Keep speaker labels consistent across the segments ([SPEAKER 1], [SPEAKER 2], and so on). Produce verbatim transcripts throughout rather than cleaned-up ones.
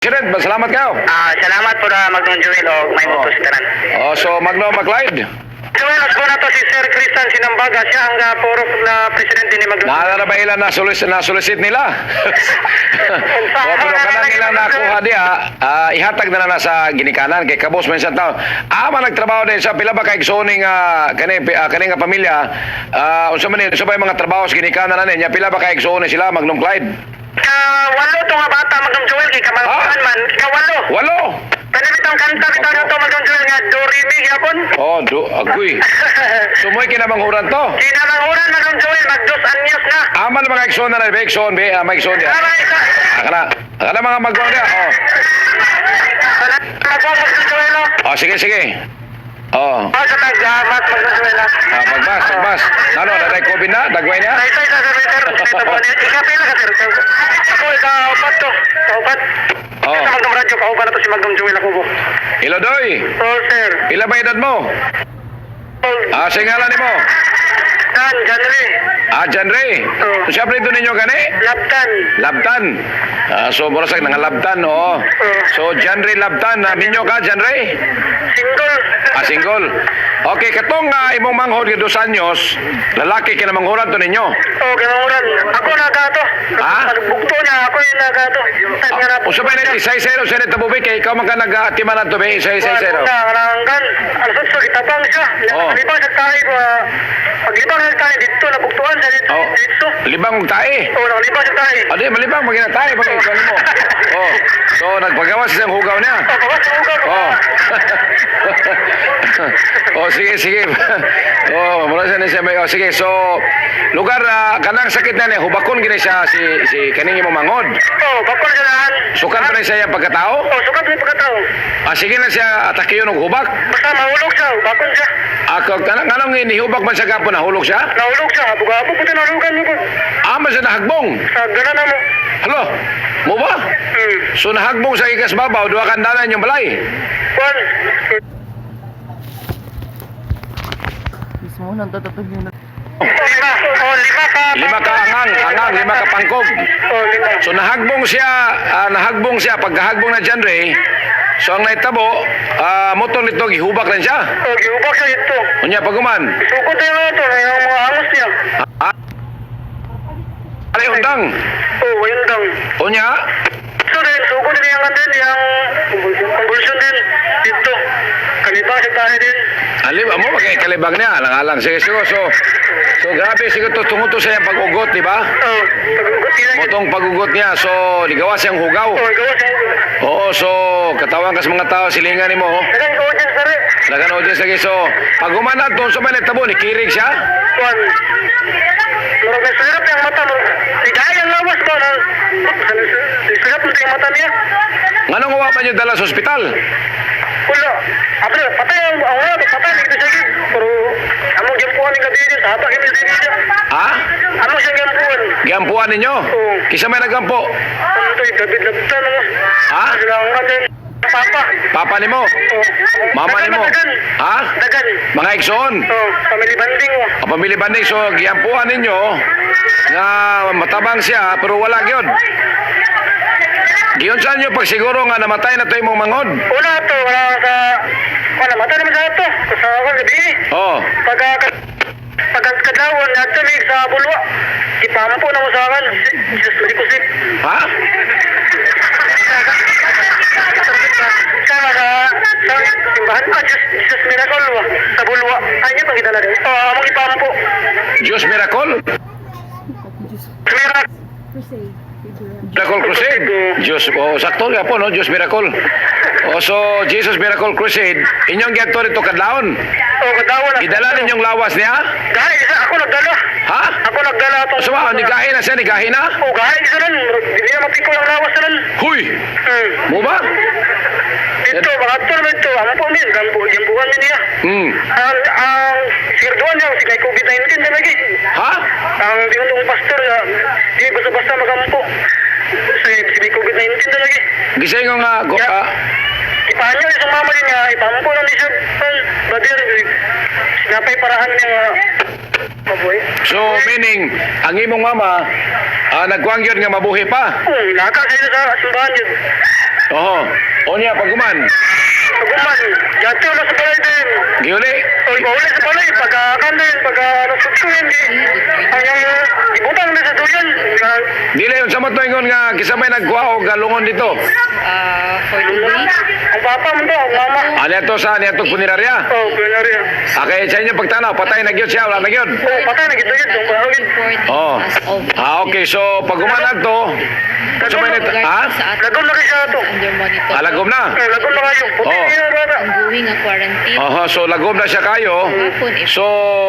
[SPEAKER 1] President, salamat kayo.
[SPEAKER 2] Ah, salamat po na Magnong Joel o may
[SPEAKER 1] Oh.
[SPEAKER 2] mutos tanan.
[SPEAKER 1] Oh, so Magno Macleod.
[SPEAKER 2] Joel, ako na to si Sir Christian Sinambaga. Siya ang uh, purok na presidente ni Magnong.
[SPEAKER 1] Naalala ba ilan na solicit, na solicit nila? O, pero kanang ilang nakuha diya, ah, ihatag na na sa ginikanan kay kabos minsan tao. Ama nagtrabaho din sa pila ba kay igsoning uh, kani uh, kani nga pamilya. Ah, unsa man ni unsa ba yung mga trabaho sa ginikanan na niya pila ba kay igsoon sila Magnum Clyde?
[SPEAKER 2] Kawalo to nga bata Magnong Joel kay kamalpuan
[SPEAKER 1] Ah?
[SPEAKER 2] man. Kawalo.
[SPEAKER 1] Walo.
[SPEAKER 2] Kanibitang kanta bitaw na to Magnong Joel nga Dorimi yapon.
[SPEAKER 1] Oh, do agoy. Sumoy kinamanghuran to.
[SPEAKER 2] Kinamanguran Magnong Joel magdos anyos na.
[SPEAKER 1] Aman mga igsoon na na ba igsoon be, ah, mga igsoon dia.
[SPEAKER 2] Tama isa.
[SPEAKER 1] Akala, akala mga magwa dia. Oh.
[SPEAKER 2] Salamat po Magnong Joel. oh.
[SPEAKER 1] Oh, sige sige. Oh.
[SPEAKER 2] Oh, sa tagyamat Magnong Joel. ah.
[SPEAKER 1] Ah, pagbas, pagbas. Ano, na COVID na? Dagway niya?
[SPEAKER 2] Sa isa sa sir. Dito po niya. Ikapila ka sir. Ako ikaupat to. Kaupat.
[SPEAKER 1] Oh.
[SPEAKER 2] Sa Magnong Radyo kaupat na to si Magnong Joel ako po.
[SPEAKER 1] Ilodoy,
[SPEAKER 2] Oh sir.
[SPEAKER 1] pila ba edad mo? Ah, singalan ni mo?
[SPEAKER 2] Dan, Janri.
[SPEAKER 1] Ah, Janre.
[SPEAKER 2] Oh.
[SPEAKER 1] Siya pre ninyo gani?
[SPEAKER 2] Laptan.
[SPEAKER 1] Labtan. Ah, so murasag nang labtan, oo. So Janre Labtan, ah, minyo ka Janre?
[SPEAKER 2] Single.
[SPEAKER 1] Ah, single. Okay, katong uh, imong manghod nga dos anyos, lalaki ka na manghuran to ninyo.
[SPEAKER 2] Oh, kinamuran. Ako nagato.
[SPEAKER 1] Ha?
[SPEAKER 2] Bukto na ako yung nagato.
[SPEAKER 1] Ah, usa ba ni isay zero sa nito bubi kay ikaw man ka nag-atimanan to be isay zero.
[SPEAKER 2] Nanganggan. Ang sutso, itabang siya.
[SPEAKER 1] Oh.
[SPEAKER 2] Paglibang sa tayo, uh, paglibang sa tayo dito, nabuktuan sa dito.
[SPEAKER 1] Oh,
[SPEAKER 2] Dito.
[SPEAKER 1] libang og tae.
[SPEAKER 2] Oh, nakalibang sa tayo.
[SPEAKER 1] Adi, malibang magina tae pag ikaw mo. Oh. So nagpagawas sa isang hugaw niya.
[SPEAKER 2] Oh, bawas sa ugaw.
[SPEAKER 1] Oh. Oh, sige, sige. Oh, mula sa siya may oh, sige. So, lugar uh, kanang sakit na niya, hubakon gini siya si si kaning imong mangod.
[SPEAKER 2] Oh, bakol sa lahat.
[SPEAKER 1] Sukat pa rin siya yung pagkatao.
[SPEAKER 2] Oh, sukat mo yung pagkatao.
[SPEAKER 1] Ah, sige na siya atake yun og hubak.
[SPEAKER 2] Basta mahulog siya, bakol siya.
[SPEAKER 1] Ako kanang kanang inihubak man sa gapon nahulog siya.
[SPEAKER 2] Nahulog siya, buga-apo po nahulugan mo po.
[SPEAKER 1] Ama siya nahagbong.
[SPEAKER 2] Sa gana na mo.
[SPEAKER 1] Halo. Mo ba?
[SPEAKER 2] Hmm.
[SPEAKER 1] So nahagbong sa ikas babaw, duha kandanan yung balay.
[SPEAKER 2] Kwan.
[SPEAKER 3] Mismo nang tatatag yun.
[SPEAKER 2] Oh, lima. Oh, lima ka.
[SPEAKER 1] Lima ka angang, angang, lima ka pangkog.
[SPEAKER 2] Oh, lima.
[SPEAKER 1] So nahagbong siya, ah, nahagbong siya pagkahagbong na dyan Ray. So ang naitabo, ah, motor nito gihubak rin siya.
[SPEAKER 2] Oh, giubak siya ito.
[SPEAKER 1] Unya paguman.
[SPEAKER 2] Sukot na yun ito, yung mga angos niya.
[SPEAKER 1] Ah. Alay undang.
[SPEAKER 2] Oh, ayun lang.
[SPEAKER 1] Unya,
[SPEAKER 2] So, din, sukot din yung din, yung convulsion din. Dito. Kaliba siya tayo din.
[SPEAKER 1] alib mo magay kalibag niya, alang-alang sige sige. So so grabe siguro to tungod to sa iyang pag-ugot, di ba?
[SPEAKER 2] Oh, pag-ugot niya.
[SPEAKER 1] Motong pag-ugot niya. So ligawas siyang hugaw.
[SPEAKER 2] Oh, gawa siya.
[SPEAKER 1] Oo, so katawan kas mga tao silingan nimo.
[SPEAKER 2] Dagan ko dyan, sir.
[SPEAKER 1] Dagan audience lagi. So pag humanad to sa may nagtabo ni kirig siya.
[SPEAKER 2] Kwan. Murag na sirap yung mata mo. Ligay ang lawas ba na. Sirap mo yung mata niya.
[SPEAKER 1] Nganong wa man yung dala sa ospital?
[SPEAKER 2] Wala. Apre, patay ang ang wala, patay nito siya gid. Pero among gimpuan ng gabi niya, haba kami din niya.
[SPEAKER 1] Ha?
[SPEAKER 2] Amo siyang gimpuan.
[SPEAKER 1] Giampuan ninyo?
[SPEAKER 2] Oo.
[SPEAKER 1] Kisa may nagampo?
[SPEAKER 2] Ano to, gabi labtan mo.
[SPEAKER 1] Ha?
[SPEAKER 2] Sila ang atin. Papa.
[SPEAKER 1] Papa nimo?
[SPEAKER 2] Oh.
[SPEAKER 1] Mama
[SPEAKER 2] Dagan
[SPEAKER 1] nimo?
[SPEAKER 2] na dagan.
[SPEAKER 1] Ha?
[SPEAKER 2] Dagan.
[SPEAKER 1] Mga igsoon?
[SPEAKER 2] Oh, family banding mo.
[SPEAKER 1] O pamili banding, so giampuan ninyo nga matabang siya pero wala gyud. Giyon sa inyo pag siguro nga namatay na to imong mangod.
[SPEAKER 2] Una to, wala sa... Wala, mata naman sa ito. Sa ako gabi.
[SPEAKER 1] Oh.
[SPEAKER 2] Pagka... Pagkadlawon, natamig sa bulwa. Ipampo na mo sa akin. Jesus, malikusip.
[SPEAKER 1] Ha?
[SPEAKER 2] Sama sa... Sa simbahan pa, Jesus, Jesus miracle wa. Sa bulwa. Ay, niya pagkita na rin. Oh, among ipampo.
[SPEAKER 1] Diyos Miracle?
[SPEAKER 2] Miracle.
[SPEAKER 1] Miracle Crusade. Diyos, oh, sakto nga po, no? Diyos Miracle. Oh, so, Jesus Miracle Crusade, inyong gato rito kadlaon.
[SPEAKER 2] Oh, kadawon.
[SPEAKER 1] Idala ninyong lawas niya?
[SPEAKER 2] Gahay, isa ako nagdala.
[SPEAKER 1] Ha?
[SPEAKER 2] Ako nagdala itong...
[SPEAKER 1] So, ah, nigahin na siya, nigahin na?
[SPEAKER 2] Oh, gahay, isa nun. Hindi na mapiko ang lawas na nun.
[SPEAKER 1] Huy!
[SPEAKER 2] Hmm.
[SPEAKER 1] Mo ba?
[SPEAKER 2] Ito, mga ito naman ito. Ang po min, gambo, jambuhan min niya.
[SPEAKER 1] Hmm.
[SPEAKER 2] Ang, ang, sirduan niya, si kay COVID nineteen na lagi.
[SPEAKER 1] Ha?
[SPEAKER 2] Ang dinutong pastor na, di basta-basta magampo. Si, si may COVID nineteen na lagi.
[SPEAKER 1] Gisay nga nga, go, ah,
[SPEAKER 2] Ipahan niya, isang mama din niya, ipampo na ni siya. Badir, sinapay parahan niya nga. Mabuhay.
[SPEAKER 1] so meaning, ang imong mama, ah, nagkuang yun nga mabuhi pa.
[SPEAKER 2] Hmm, naka sa sa simbahan yun.
[SPEAKER 1] Oho. O niya, paguman.
[SPEAKER 2] Paguman, yati wala sa balay din.
[SPEAKER 1] Giuli.
[SPEAKER 2] O, ipauli sa balay, pagkakan din, pagka nasutsuin din. Ang yung ibutang na sa duyan. Nga-
[SPEAKER 1] Dili yun, sa mo ingon nga, kisamay nagkuha o galungon dito.
[SPEAKER 3] Uh, for the week,
[SPEAKER 2] Ang papa mo to, ang mama.
[SPEAKER 1] Ano ito sa, ano ito punirarya?
[SPEAKER 2] Oh, pinari.
[SPEAKER 1] Okay, sa inyo pagtanaw, patay na gyud siya, wala na gyud.
[SPEAKER 2] Oh, patay na gito yun. Ang bahawin.
[SPEAKER 3] report
[SPEAKER 1] Oh.
[SPEAKER 3] as of
[SPEAKER 1] Ah, okay, so pagumanan to, sa may nito, ha?
[SPEAKER 2] Lagom na kayo siya to.
[SPEAKER 3] under monitor.
[SPEAKER 1] Alagom na.
[SPEAKER 2] Eh, lagom na kayo. Puti
[SPEAKER 1] Oh.
[SPEAKER 2] niya, brother.
[SPEAKER 3] Ongoing a quarantine.
[SPEAKER 1] Oho, so lagom na siya kayo. So,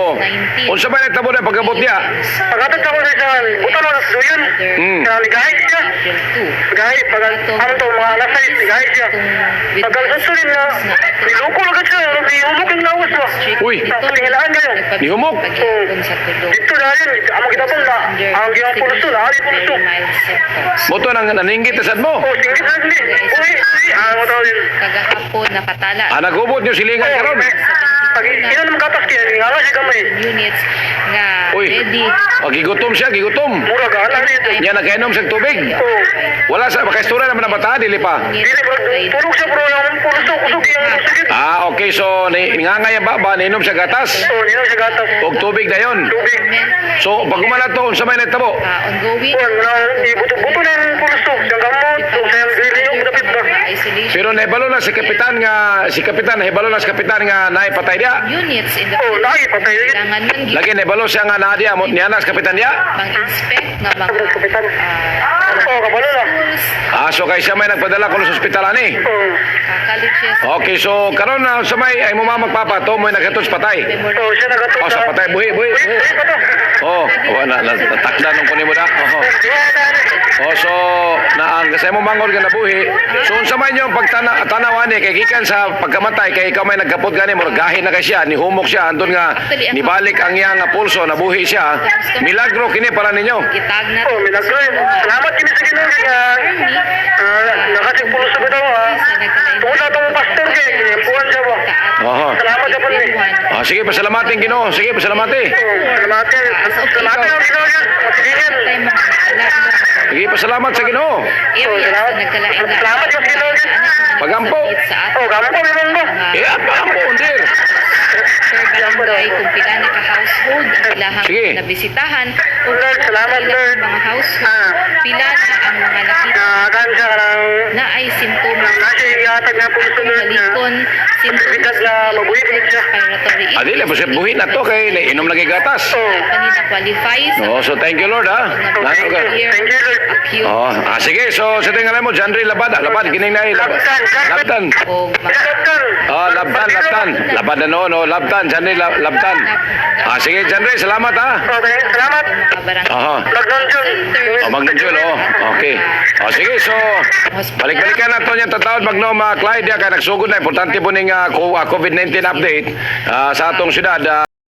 [SPEAKER 1] unsa may nagtabo na pagabot niya?
[SPEAKER 2] Pagkatag ako sa isang, butang na sa duyan.
[SPEAKER 1] Hmm.
[SPEAKER 2] Kaya ligahit siya.
[SPEAKER 3] April two.
[SPEAKER 2] Ligahit, pag ano to, mga alas sais, ligahit siya. Pag alasunin na, niluko na ka siya. Nihulok yung lawas ba?
[SPEAKER 1] Uy.
[SPEAKER 2] Paghilaan kayo.
[SPEAKER 1] Nihumok?
[SPEAKER 3] Pag-iipon sa tulog.
[SPEAKER 2] Dito na yun, ang kita po na, ang giyang pulso, na ari pulso.
[SPEAKER 3] Very mild symptoms.
[SPEAKER 1] Moto nang naningit sa mo.
[SPEAKER 2] Oh, singit na sili. Uy, uy, ang mo tawag yun.
[SPEAKER 3] Kagahapon nakatala
[SPEAKER 1] Ah, nagubot niyo silingan
[SPEAKER 2] Oh,
[SPEAKER 1] karon.
[SPEAKER 2] pag ina naman katas kaya, nga nga siya gamay.
[SPEAKER 3] units nga
[SPEAKER 1] Uy.
[SPEAKER 3] ready.
[SPEAKER 1] O, gigutom siya, gigutom.
[SPEAKER 2] Mura ka, alam dito.
[SPEAKER 1] Niya nakainom sa tubig.
[SPEAKER 2] Oh,
[SPEAKER 1] Wala sa makaistura naman ang bata, dili pa.
[SPEAKER 2] dili, bro, tulog siya bro, yung pulso, kusog yung sakit.
[SPEAKER 1] Ah, okay, so ni ngangaya ba ba ninom siya gatas?
[SPEAKER 2] Oh, nino siya gatas.
[SPEAKER 1] Og tubig na yon.
[SPEAKER 2] Tubig.
[SPEAKER 1] So pag umala to unsa may nagtabo?
[SPEAKER 3] Uh, ongoing
[SPEAKER 2] Kuan, na, ibuto-buto na yung pulso, siyang gamot, o siyang dili yung dapit ba.
[SPEAKER 3] mga isolation
[SPEAKER 1] Pero nahibalo na si kapitan nga si kapitan nahibalo na si kapitan nga naipatay dia.
[SPEAKER 3] units in the
[SPEAKER 2] Oh, lahi, patay yun.
[SPEAKER 3] kailangan man gi-
[SPEAKER 1] Lagi nahibalo siya nga naa dia mo niya na si kapitan dia.
[SPEAKER 3] pang-inspect nga mga
[SPEAKER 2] Sabi sa kapitan.
[SPEAKER 3] uh,
[SPEAKER 2] Oh, kabalo na.
[SPEAKER 3] schools,
[SPEAKER 1] Ah, so kay siya may nagpadala ko sa ospital ani.
[SPEAKER 2] Oh,
[SPEAKER 3] uh, colleges,
[SPEAKER 1] Okay, so karon na sa may ay mo mama magpapa to mo nagatos patay.
[SPEAKER 2] oh, siya nagatod
[SPEAKER 1] Oh, sa patay buhi buhi.
[SPEAKER 2] Uy,
[SPEAKER 1] buhi.
[SPEAKER 2] uy, pato.
[SPEAKER 1] Oh, wala na natakda nung kunin mo da. Oh.
[SPEAKER 2] Yeah, dali.
[SPEAKER 1] Oh, so na ang kasi mo mangod nga nabuhi. So unsa man yung pagtana tanawan ni kay gikan sa pagkamatay kay ikaw may nagkapot gani mo gahin na kay siya ni humok siya andun nga nibalik ang iyang nga pulso nabuhi siya. Milagro kini para ninyo.
[SPEAKER 3] gitag na
[SPEAKER 2] Oh, milagro yun. Salamat kini sa Ginoo nga.
[SPEAKER 3] army,
[SPEAKER 2] Ah, nakasig pulso ko daw ah. Tungkol sa itong pastor kay kinimpuan siya ba?
[SPEAKER 1] Oho.
[SPEAKER 2] Salamat sa pun eh.
[SPEAKER 1] Ah, sige pasalamatin Ginoo. Sige pasalamati.
[SPEAKER 2] Oh, salamat yan. Salamat yan ang Ginoo yan. Matigyan.
[SPEAKER 3] tayo mga kalaban
[SPEAKER 1] Sige pasalamat sa Ginoo.
[SPEAKER 3] areas na nagkalain na
[SPEAKER 2] Salamat sa Ginoo yan.
[SPEAKER 1] Pagampo.
[SPEAKER 3] sa
[SPEAKER 2] Oh,
[SPEAKER 3] ato
[SPEAKER 2] gamo ko meron ba?
[SPEAKER 1] Eh, apa ang undir?
[SPEAKER 3] per barangay kung pila na ka-household ang ilahang
[SPEAKER 1] Sige.
[SPEAKER 3] nabisitahan o
[SPEAKER 2] Lord, salamat,
[SPEAKER 3] pila
[SPEAKER 2] Lord.
[SPEAKER 3] mga household
[SPEAKER 2] Ah.
[SPEAKER 3] pila na ang mga nakita
[SPEAKER 2] Nakakan siya ka ng
[SPEAKER 3] na ay simptomas
[SPEAKER 2] nasa iatag na pulso Lord na
[SPEAKER 3] halikon
[SPEAKER 2] bigat
[SPEAKER 3] simptomas
[SPEAKER 2] na mabuhi ko siya.
[SPEAKER 3] respiratory
[SPEAKER 1] Ah, dili mo siya buhi na to kay inom lagi gatas.
[SPEAKER 2] Oh,
[SPEAKER 3] kanina qualifies
[SPEAKER 1] Oh, so thank you Lord ha. Nano
[SPEAKER 2] thank
[SPEAKER 1] ka?
[SPEAKER 2] you. Thank you, Lord.
[SPEAKER 3] acute
[SPEAKER 1] Oh, ah, sige. So sa tingnan mo Janry Labad, ah, labad kining nay labad. Labtan.
[SPEAKER 3] o mga
[SPEAKER 2] Doktor.
[SPEAKER 1] Oh, labtan, labtan. Labad na no, no, labtan, Janry la- labtan. Ah, sige Janry, salamat ha.
[SPEAKER 2] Okay, salamat.
[SPEAKER 3] mga barangay
[SPEAKER 1] Aha.
[SPEAKER 2] Magnon Jun.
[SPEAKER 1] Oh, Magnon Jun, oh. Okay. Oh, sige, so balik-balikan na to yung tatawad Magnom uh, Clyde ya kay nagsugod na importante po ning uh, COVID nineteen update ah, sa atong syudad. ah,